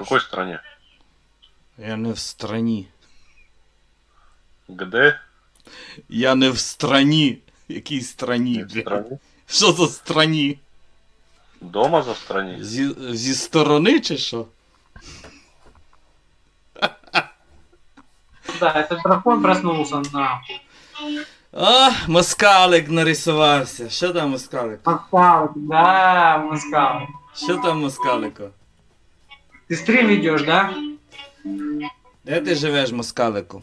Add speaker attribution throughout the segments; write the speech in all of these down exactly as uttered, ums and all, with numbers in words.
Speaker 1: какой стране?
Speaker 2: Я не в страні.
Speaker 1: Где?
Speaker 2: Я не в страні. Якій страні,
Speaker 1: Не в
Speaker 2: блядь?
Speaker 1: стране?
Speaker 2: Що за страні?
Speaker 1: Дома за стране?
Speaker 2: Зі, зі сторони чи що?
Speaker 3: Да, этот дракон проснулся, нахуй.
Speaker 2: А, москалик нарисувався. Що там москалик?
Speaker 3: Москалик, да, москалик.
Speaker 2: Що там москалико?
Speaker 3: Ты стрим ведешь, да?
Speaker 2: Де ти живеш, москалику?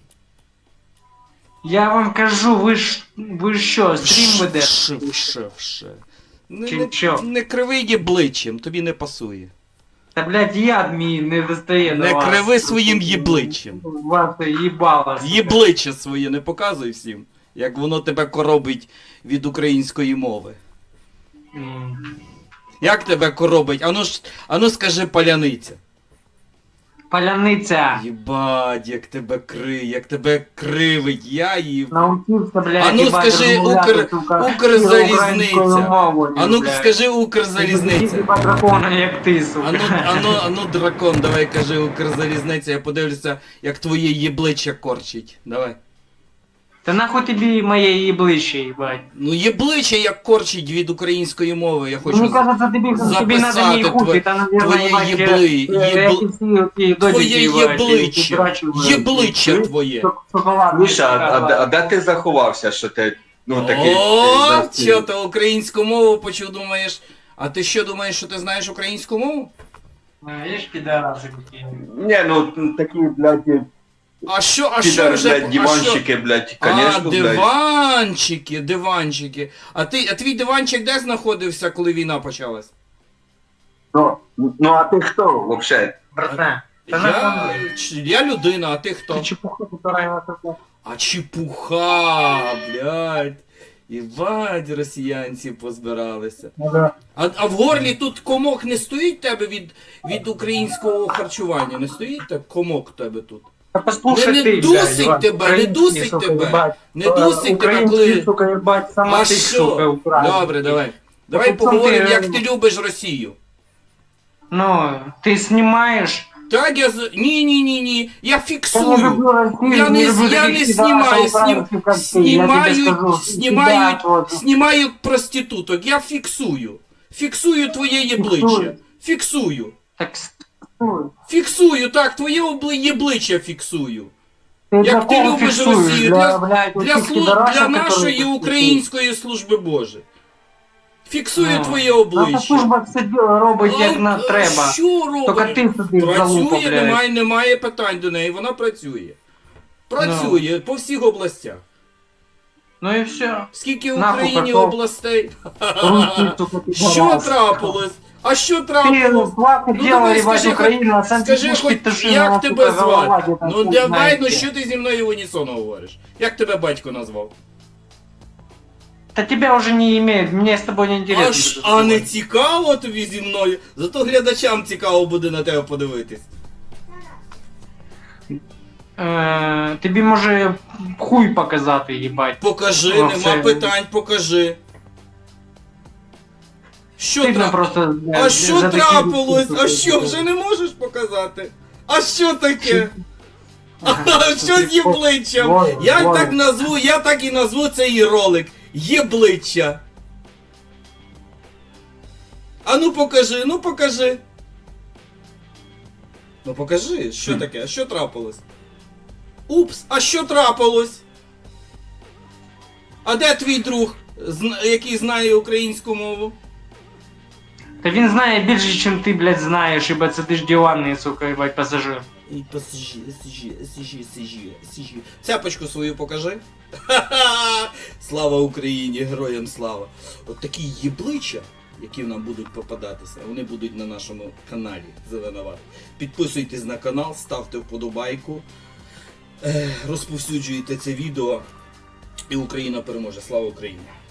Speaker 3: Я вам кажу, ви ж, ви ж що, стрім ведеш?
Speaker 2: Вше, вше, вше. Не,
Speaker 3: Чи
Speaker 2: не,
Speaker 3: що?
Speaker 2: не криви єбличчям, тобі не пасує.
Speaker 3: Та, блядь, яд мій не достає до
Speaker 2: Не
Speaker 3: вас.
Speaker 2: криви своїм єбличчям.
Speaker 3: Вас їбало.
Speaker 2: Єбличчя своє не показуй всім, як воно тебе коробить від української мови.
Speaker 3: М.
Speaker 2: Як тебе коробить? Ану ж, ану скажи паляниця.
Speaker 3: Паляниця.
Speaker 2: Єбать, як тебе кри, як тебе кривить, я їв.
Speaker 3: Научився, блядь,
Speaker 2: А ну
Speaker 3: їбать,
Speaker 2: скажи,
Speaker 3: розмовляти,
Speaker 2: Укр-
Speaker 3: сука,
Speaker 2: Укрзалізниця.
Speaker 3: українською мовою,
Speaker 2: А ну
Speaker 3: блядь.
Speaker 2: скажи
Speaker 3: Такі
Speaker 2: Укрзалізниця.
Speaker 3: дракона, як ти, сука.
Speaker 2: Ану, ану, ану, дракон, давай кажи Укрзалізниця, я подивлюся, як твоє єбличчя корчить. Давай.
Speaker 3: Та нахуй тобі моє їблище, їбать.
Speaker 2: Ну єбличчя як корчить від української мови, я хочу.
Speaker 3: Мені кажется, тобі, тобі надо
Speaker 2: записати
Speaker 3: не їхати,
Speaker 2: твоє-
Speaker 3: та, наверное,
Speaker 2: твоє
Speaker 3: їбать,
Speaker 2: єбли-
Speaker 3: е,
Speaker 2: єбл-
Speaker 3: як і всі оті додіки,
Speaker 2: Твоє
Speaker 3: їбать, які
Speaker 2: єбличчя.
Speaker 3: драчують.
Speaker 2: Єбличчя твоє.
Speaker 3: Шоколад.
Speaker 4: Міша, а, а, а де ти заховався, що ти, ну, такий...
Speaker 2: О,
Speaker 4: ти-
Speaker 2: що ти українську мову почув, думаєш? А ти що думаєш, що ти знаєш українську мову?
Speaker 3: Видиш, підараси які.
Speaker 4: Ні, ну, такі, блядь,
Speaker 2: А що, а що
Speaker 4: підар,
Speaker 2: вже?
Speaker 4: блядь,
Speaker 2: а що?
Speaker 4: диванчики, блядь,
Speaker 2: А,
Speaker 4: конечно, блядь.
Speaker 2: диванчики, диванчики. А ти, а твій диванчик де знаходився, коли війна почалась?
Speaker 4: Ну, ну, а ти хто, вообще?
Speaker 3: Братан, та
Speaker 2: Я,
Speaker 3: нахуй.
Speaker 2: ч- я людина, а ти хто?
Speaker 3: Ти чепуха, которая на таку.
Speaker 2: А чепуха, блядь. Єбать, росіянці позбиралися. А, а в горлі тут комок не стоїть тебе від, від українського харчування? Не стоїть так комок тебе тут?
Speaker 3: Та послушай
Speaker 2: Не- не
Speaker 3: ти,
Speaker 2: дусить
Speaker 3: блядь,
Speaker 2: тебе, не
Speaker 3: український,
Speaker 2: дусить
Speaker 3: сука,
Speaker 2: тебе.
Speaker 3: їбать.
Speaker 2: Не
Speaker 3: Е,
Speaker 2: дусить тебе,
Speaker 3: український,
Speaker 2: коли...
Speaker 3: сука, їбать, сама
Speaker 2: А
Speaker 3: ти,
Speaker 2: що?
Speaker 3: сука, український.
Speaker 2: Добре, давай. Давай
Speaker 3: Тут сам
Speaker 2: поговоримо,
Speaker 3: ти,
Speaker 2: як
Speaker 3: е,
Speaker 2: ти любиш Росію.
Speaker 3: Ну, ти знімаєш?
Speaker 2: Так, я... з- Ні, ні, ні, ні. Я
Speaker 3: Я не
Speaker 2: фіксую.
Speaker 3: люблю Росію,
Speaker 2: Я не,
Speaker 3: люблю
Speaker 2: я
Speaker 3: таких
Speaker 2: не
Speaker 3: підарасів,
Speaker 2: знімаю, снім,
Speaker 3: українців, як ти, я тобі
Speaker 2: знімають,
Speaker 3: скажу.
Speaker 2: знімають,
Speaker 3: Сидять, от.
Speaker 2: знімають проституток. Я фіксую. Фіксую твоє єбличчя. Фіксую.
Speaker 3: Так, стой.
Speaker 2: Фіксую, так, твоє обли- єбличчя фіксую.
Speaker 3: Ти
Speaker 2: Як
Speaker 3: для
Speaker 2: ти
Speaker 3: кого
Speaker 2: любиш
Speaker 3: фіксуєш?
Speaker 2: Росію, для,
Speaker 3: блядь,
Speaker 2: для,
Speaker 3: оцих
Speaker 2: слу-
Speaker 3: підарасів,
Speaker 2: для нашої
Speaker 3: які
Speaker 2: української служби Божої. Фіксую
Speaker 3: Ну,
Speaker 2: твоє
Speaker 3: Наша
Speaker 2: обличчя.
Speaker 3: служба все діло робить, як
Speaker 2: А,
Speaker 3: на
Speaker 2: а
Speaker 3: треба.
Speaker 2: Що
Speaker 3: Тільки
Speaker 2: робить?
Speaker 3: ти собі залупа,
Speaker 2: Працює,
Speaker 3: блядь.
Speaker 2: немає, немає питань до неї, вона працює. Працює по всіх областях.
Speaker 3: Ну і все.
Speaker 2: Скільки в
Speaker 3: Нахуй
Speaker 2: Україні
Speaker 3: пішов.
Speaker 2: областей?
Speaker 3: Руський, сука, ти
Speaker 2: Що
Speaker 3: барас.
Speaker 2: трапилось? А що
Speaker 3: Ти
Speaker 2: трапилось?
Speaker 3: плохо
Speaker 2: Ну,
Speaker 3: дела,
Speaker 2: давай
Speaker 3: ебать,
Speaker 2: скажи,
Speaker 3: Україну, а сам
Speaker 2: Скажи,
Speaker 3: сидиш
Speaker 2: хоч,
Speaker 3: під тишином,
Speaker 2: як
Speaker 3: сука,
Speaker 2: тебе
Speaker 3: голова
Speaker 2: звати?
Speaker 3: где-то
Speaker 2: Ну
Speaker 3: хуй
Speaker 2: давай,
Speaker 3: знає
Speaker 2: ну
Speaker 3: де.
Speaker 2: що ти зі мною в унісон говориш? Як тебе батько назвав?
Speaker 3: Та тебе уже не имеет, мне с тобой не интересно.
Speaker 2: А, ж- а не цікаво тобі зі мною? Зато глядачам цікаво буде на тебе подивитись.
Speaker 3: Е, тобі може хуй показати, їбать.
Speaker 2: Покажи,
Speaker 3: Ну,
Speaker 2: нема
Speaker 3: все.
Speaker 2: питань, покажи. Що
Speaker 3: Стидно
Speaker 2: трапилось?
Speaker 3: просто.
Speaker 2: А
Speaker 3: за
Speaker 2: що
Speaker 3: такі
Speaker 2: трапилось?
Speaker 3: випуски,
Speaker 2: А що,
Speaker 3: сука.
Speaker 2: вже не можеш показати? А що таке? А що з єбличчям?
Speaker 3: Вот,
Speaker 2: Я
Speaker 3: вот.
Speaker 2: так назву, я так і назву цей ролик. Єбличчя. А ну покажи, ну покажи. Ну покажи, що таке, а що трапилось? Упс, а що трапилось? А де твій друг, зна- який знає українську мову?
Speaker 3: Та він знає більше, ніж ти, блядь, знаєш, ібо це ти ж диванний, сука, їбать, пасажир.
Speaker 2: І посижи, сижи, сижи, сижи, сижи. Цяпочку свою покажи. Ха-ха! Слава Україні, героям слава. От такі єбличчя, які нам будуть попадатися, вони будуть на нашому каналі Зеленоват. Підписуйтесь на канал, ставте вподобайку, е, розповсюджуйте це відео, і Україна переможе. Слава Україні!